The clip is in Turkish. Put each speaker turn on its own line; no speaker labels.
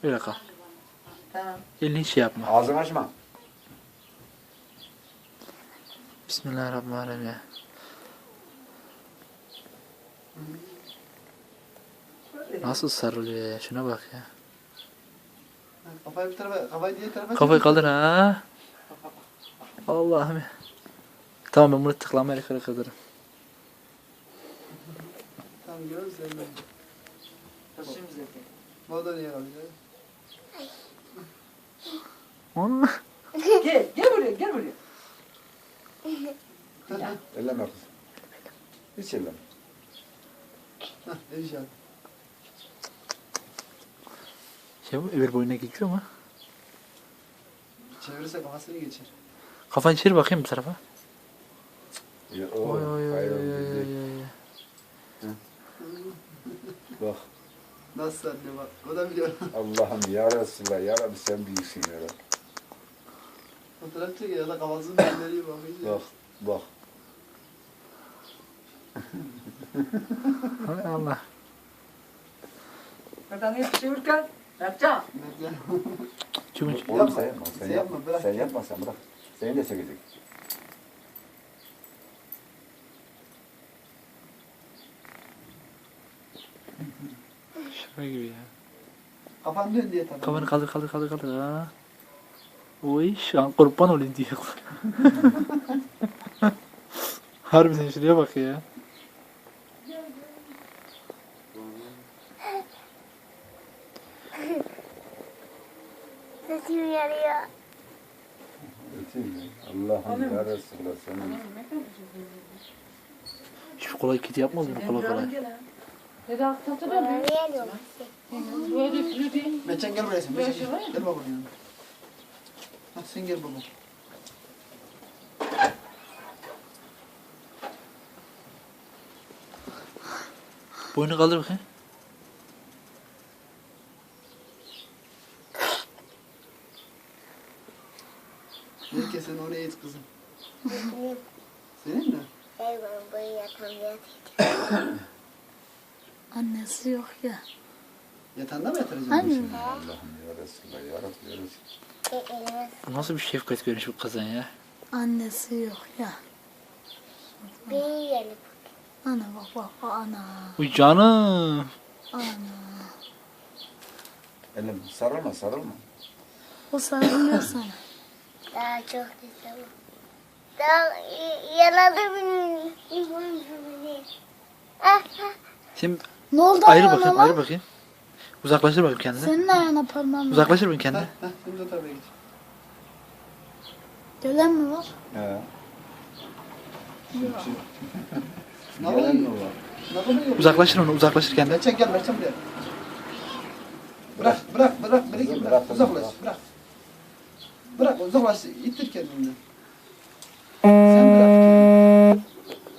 Öyle kal.
Tamam.
Elini hiç şey yapma.
Ağzını açma.
Bismillahirrahmanirrahim ya. Nasıl sarılıyor ya? Şuna bak ya.
Kafayı bir tarafa, kafayı diğer tarafa.
Kafayı kaldır ha. Allah'ım ya. Tamam ben bunu tıklamayla kırdırırım.
Tamam görüyoruz sen de.
Taşıyım zaten.
Bu da niye kalıyor?
Onu.
Gel buraya, gel buraya.
Elleme kızım. Hiç elleme.
Hah, inşallah.
Şey bu öbür boyuna geçiyor mu?
Çevirirse kafasını geçer.
Kafanı çevir bakayım bu tarafa.
Ya,
Oy oy oy
hayır,
oy
değil.
oy oy.
Bak
Nasıl anne bak. O da biliyor.
Allah'ım ya Resulallah ya Rabbi sen büyüksün ya Rabbi.
Fotoğraf çekiyor ya da kafasını döndürüyor bakıyor.
Bak bak.
Hay Allah.
Buradan hep çevirken yapacağım.
Bekle.
Çünkü
Oğlum sen yapma.
Sen yapma, bırak.
Sen yapma sen bırak. Seni de çekecek.
şaka gibi ya.
Kafan dön diye tabii.
Kafanı kaldır ha. Oy şu an kurban olayım diyor. Harbiden şuraya bak ya.
Sesim yarıyor.
Öteyim ya. Allah'ım ya Resulallah sen.
Şu kolay kiti yapmaz mı kolay kolay?
Neden alttan
Bana niye yarıyor?
Böyle üflü değil.
Meçen gel buraya sen.
Böyle
Meçen
şey var ya.
gel. Gel babanın yanına. Hah sen gel baba.
Boynu kaldır bakayım.
Herkes sen oraya et kızım.
Benim
Senin mi?
evim buraya yatağım
Annesi yok ya.
Yatağında mı yatıracaksın?
Anne.
Allah'ım ya Resulallah ya Rabbi ya Resulallah.
elime
Bu nasıl bir şefkat görünüş bu kızın ya?
Annesi yok ya.
bir yiyelim.
Ana bak ana.
Uy canım.
Ana.
Elleme. Sarılma sarılma.
O sarılıyor sana.
Daha çok güzel. Daha yaladı beni. Ah,
Şimdi
Ne oldu
ayrı
ayağına
bakayım
lan?
ayrı bakayım. Uzaklaştır bakayım kendini.
Senin ayağına parmağın var.
Uzaklaştır bakayım kendini.
Hah şimdi o tarafa geç.
Gölen mi var?
He.
Ne
Gelen mi
yapıyorsun?
var?
Ne yapıyorsun?
Uzaklaştır onu uzaklaştır kendini.
Meçen gel Meçen buraya. Bırak.
Kızım,
Bırak.
bırak,
Uzaklaş.
bırak.
Bırak. Bırak uzaklaş. İttir kendini.